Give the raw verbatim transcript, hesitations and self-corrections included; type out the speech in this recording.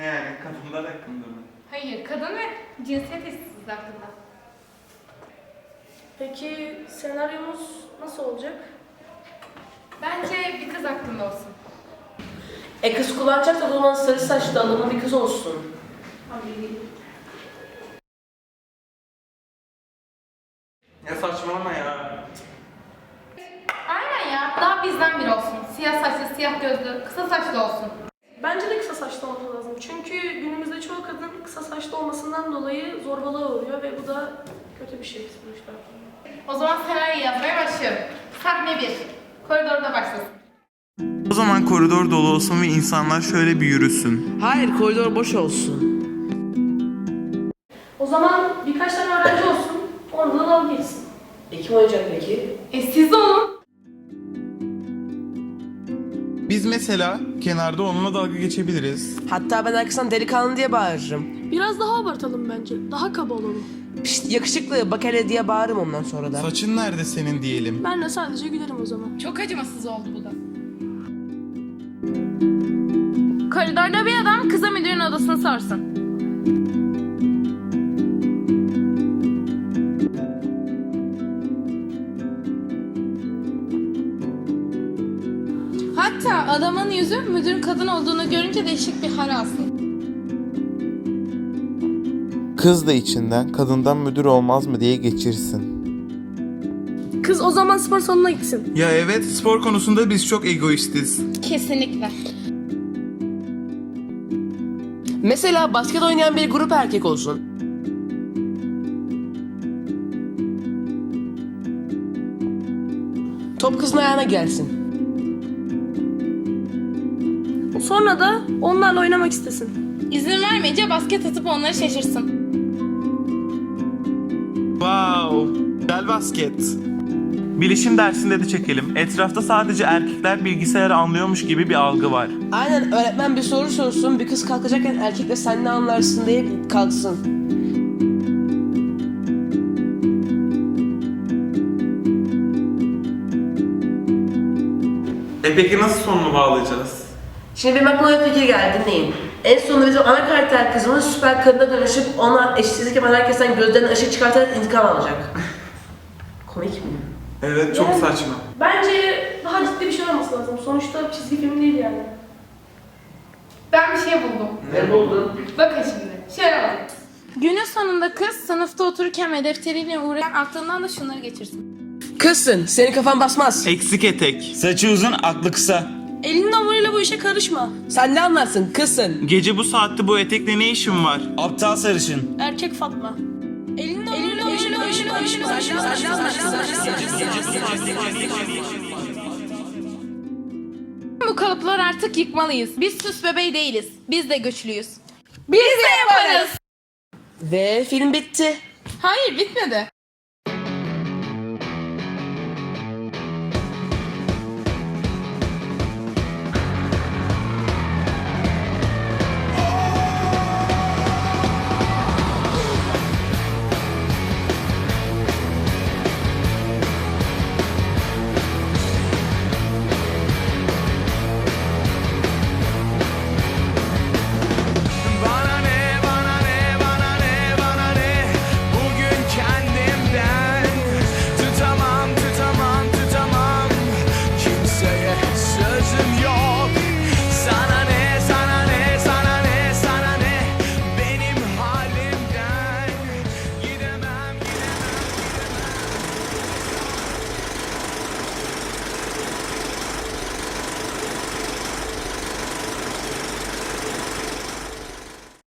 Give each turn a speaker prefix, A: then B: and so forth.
A: Ne yani? Kadınlar hakkında mı?
B: Hayır, kadın ve cinsiyet eşitsizliği hakkında.
C: Peki senaryomuz nasıl olacak?
B: Bence bir kız hakkında olsun.
D: E kız kullanacak da o zaman sarı saçlı adamın bir kız olsun.
A: Ya saçmalama ya.
B: Aynen ya, daha bizden biri olsun. Siyah saçlı, siyah gözlü, kısa saçlı olsun.
C: Bence de kısa saçlı olması lazım. Çünkü günümüzde çoğu kadın kısa saçlı olmasından dolayı zorbalığa uğruyor ve bu da kötü bir şey sonuçta.
B: O zaman senaryoyu yazmaya başlıyorum. Sahne bir. Koridorda başlasın.
A: O zaman koridor dolu olsun ve insanlar şöyle bir yürüsün.
D: Hayır, koridor boş olsun.
C: O zaman birkaç tane öğrenci olsun, orada da dalga geçsin.
D: E kim oynayacak peki?
B: E siz de olun.
A: Biz mesela kenarda onunla dalga geçebiliriz.
D: Hatta ben arkasından delikanlı diye bağırırım.
C: Biraz daha abartalım bence. Daha kaba olalım.
D: Pişt, yakışıklı bak hele diye bağırırım ondan sonra da.
A: Saçın nerede senin diyelim.
C: Ben de sadece gülerim o zaman.
B: Çok acımasız oldu bu da. Koridorda bir adam kıza müdürün odasını sorsun. Hatta adamın yüzü müdürün kadın olduğunu görünce değişik bir hal alsın.
E: Kız da içinden kadından müdür olmaz mı diye geçirsin.
C: Kız o zaman spor salonuna gitsin.
A: Ya evet, spor konusunda biz çok egoistiz.
B: Kesinlikle.
D: Mesela basket oynayan bir grup erkek olsun. Top kızın ayağına gelsin.
C: Sonra da onlarla oynamak istesin.
B: İzin vermeyince basket atıp onları şaşırsın.
A: Wow, güzel basket. Bilişim dersinde de çekelim. Etrafta sadece erkekler bilgisayarı anlıyormuş gibi bir algı var.
D: Aynen, öğretmen bir soru sorsun, bir kız kalkacakken erkek de sen ne anlarsın diye kalksın.
A: E peki nasıl sonunu bağlayacağız?
D: Şimdi benim aklıma bir fikir geldi, dinleyin. En sonunda bizim ana karakter kızımız süper kadına dönüşüp ona eşitsizlik yapan herkesten gözlerine ışık çıkartarak intikam alacak. Komik mi?
A: Evet, çok
C: Yani-
A: saçma.
C: Bence daha ciddi bir şey olması lazım. Sonuçta çizgi film değil yani.
B: Ben bir şey buldum.
D: Ne buldun?
B: Bakın şimdi. Şöyle bakın. Günün sonunda kız sınıfta otururken ve defteriyle uğraşan aklından da şunları geçirsin.
D: Kızsın, senin kafan basmaz.
A: Eksik etek.
F: Saçı uzun, aklı kısa.
C: Elinin hamuruyla bu işe karışma.
D: Sen ne anlarsın, kızsın.
A: Gece bu saatte bu etekle ne işin var?
F: Aptal sarışın.
C: Erkek Fatma. Elinin hamuruyla bu işe karışma.
B: Bu kalıplar artık yıkmalıyız. Biz süs bebeği değiliz. Biz de güçlüyüz. Biz de yaparız.
D: Ve film bitti.
B: Hayır, bitmedi.